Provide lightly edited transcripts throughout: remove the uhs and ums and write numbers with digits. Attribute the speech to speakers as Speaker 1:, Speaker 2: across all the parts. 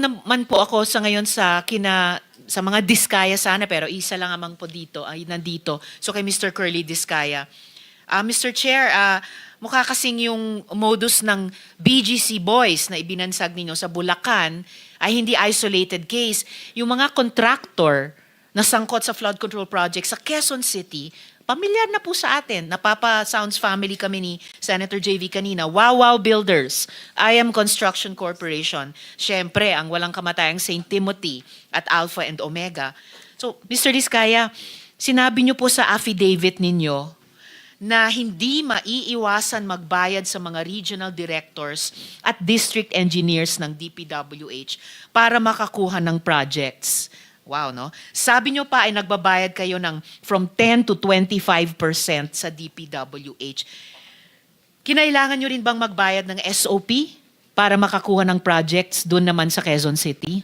Speaker 1: naman po ako sa ngayon sa mga Diskaya sana, pero isa lang amang po dito ay nandito. So kay Mr. Curly Diskaya. Mr. Chair, mukha kasing yung modus ng BGC Boys na ibinansag ninyo sa Bulacan ay hindi isolated case. Yung mga contractor na sangkot sa flood control project sa Quezon City, pamilyar na po sa atin. Napapa-Sounds family kami ni Senator JV kanina. Wow Builders, IM Construction Corporation. Siyempre, ang walang kamatayang St. Timothy at Alpha and Omega. So, Mr. Diskaya, sinabi niyo po sa affidavit ninyo na hindi maiiwasan magbayad sa mga regional directors at district engineers ng DPWH para makakuha ng projects. Wow, no? Sabi nyo pa ay nagbabayad kayo ng from 10 to 25% sa DPWH. Kinailangan nyo rin bang magbayad ng SOP para makakuha ng projects doon naman sa Quezon City?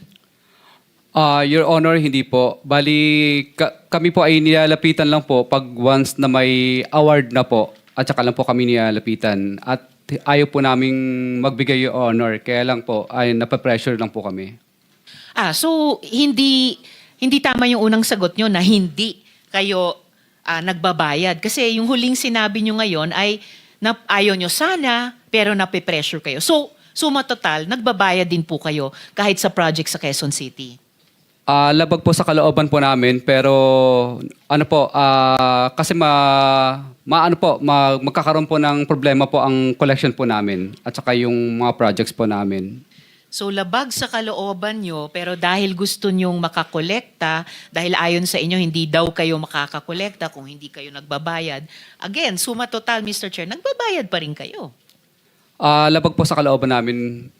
Speaker 2: Your Honor, hindi po. Bali, kami po ay nilalapitan lang po pag once na may award na po at saka lang po kami nilalapitan. At ayaw po naming magbigay, Your Honor. Kaya lang po, ay napapressure lang po kami.
Speaker 1: So hindi tama yung unang sagot nyo na hindi kayo nagbabayad. Kasi yung huling sinabi nyo ngayon ay ayaw nyo sana, pero napipressure kayo. So, suma total, nagbabayad din po kayo kahit sa project sa Quezon City.
Speaker 2: Labag po sa kalooban po namin, pero ano po, kasi magkakaroon po ng problema po ang collection po namin at saka yung mga projects po namin.
Speaker 1: So labag sa kalooban nyo, pero dahil gusto nyong makakolekta, dahil ayon sa inyo hindi daw kayo makakakolekta kung hindi kayo nagbabayad, again, suma total, Mr. Chair, nagbabayad pa rin kayo.
Speaker 2: Labag po sa kalooban namin,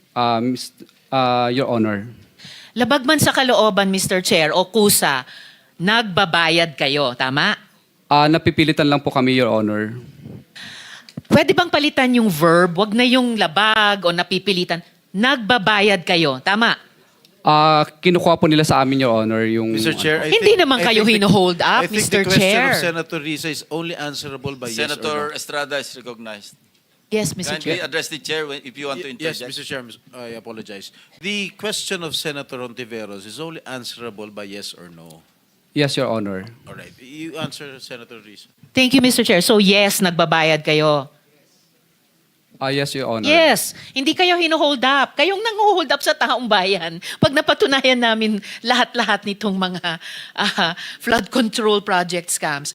Speaker 2: Your Honor.
Speaker 1: Labag man sa kalooban, Mr. Chair, o kusa, nagbabayad kayo, tama?
Speaker 2: Napipilitan lang po kami, Your Honor.
Speaker 1: Pwede bang palitan yung verb? Wag na yung labag o napipilitan. Nagbabayad kayo, tama?
Speaker 2: Kinukuha po nila sa amin, Your Honor, yung...
Speaker 3: Mr. Chair,
Speaker 1: Hindi naman kayo hino-hold up,
Speaker 3: I think
Speaker 1: Mr.
Speaker 3: the question
Speaker 1: Chair.
Speaker 3: of Senator Risa is only answerable by
Speaker 4: Senator
Speaker 3: yes
Speaker 4: Estrada is recognized.
Speaker 1: Yes, Mr.
Speaker 4: Kindly
Speaker 1: Chair.
Speaker 4: address the chair if you want to
Speaker 3: or no. Yes,
Speaker 4: interject.
Speaker 3: Mr. Chair, I apologize. The question of Senator Ontiveros is only answerable by yes or no.
Speaker 2: Yes, Your Honor.
Speaker 3: All right. You answer, Senator Risa.
Speaker 1: Thank you, Mr. Chair. So yes, nagbabayad kayo.
Speaker 2: Yes, Your Honor.
Speaker 1: Yes, hindi kayo hino-hold up. Kayong nang-hold up sa taong bayan. Pag napatunayan namin lahat-lahat nitong mga flood control project scams.